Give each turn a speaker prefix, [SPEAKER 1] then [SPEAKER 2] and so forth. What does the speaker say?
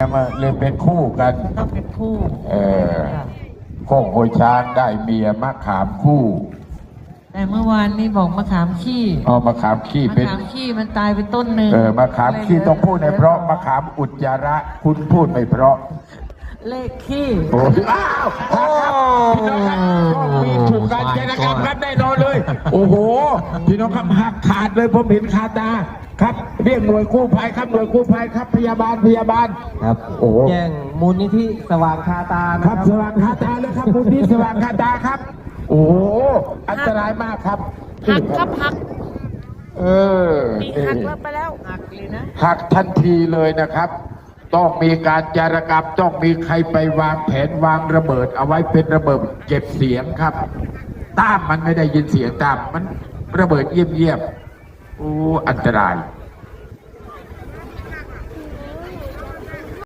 [SPEAKER 1] มาเลยเป็นคู่กัน
[SPEAKER 2] ต้องเป็นคู่
[SPEAKER 1] โคกโวยช้างได้เมียมะขามคู่
[SPEAKER 2] แต่เมื่อวานนี้บอกมะขามขี้
[SPEAKER 1] มะขามขี้
[SPEAKER 2] มะ
[SPEAKER 1] เป็น
[SPEAKER 2] ขามขี้มันตายไปต้นหนึ่ง
[SPEAKER 1] มะขามขี้ต้องพูดในเพราะมะขามอุจจาระคุณพูดไม่เพราะ
[SPEAKER 2] เลขขี้
[SPEAKER 1] โอ้ยอ้าวพี่น้องครับมีถูกการเจรจาครับแน่นอนเลย โอ้โหพี่น้องครับหักขาดเลยผมเห็นคาตาครับเรียกหน่วยกู้ภัยครับหน่วยกู้ภัยครับพยาบาล
[SPEAKER 3] ครับ
[SPEAKER 1] โอ้
[SPEAKER 3] แจ้งมูลนิธิสว่างคาตานะ
[SPEAKER 1] ค
[SPEAKER 3] ค
[SPEAKER 1] รั
[SPEAKER 3] รั
[SPEAKER 1] บบ สว่างคาตาเลยครับคุณที่สว่างคาตาครับ โอ้โหอันตรายมากครับ
[SPEAKER 2] หักครับหัก
[SPEAKER 1] นี่
[SPEAKER 2] หักแล้วไปแล้วหักเลยนะ
[SPEAKER 1] หักทันทีเลยนะครับ ต้องมีการจารกรรมต้องมีใครไปวางแผนวางระเบิด เอาไว้เป็นระเบิดเก็บเสียงครับต้ามมันไม่ได้ยินเสียงตามมันระเบิดเยี่ยมๆโอ้อันตราย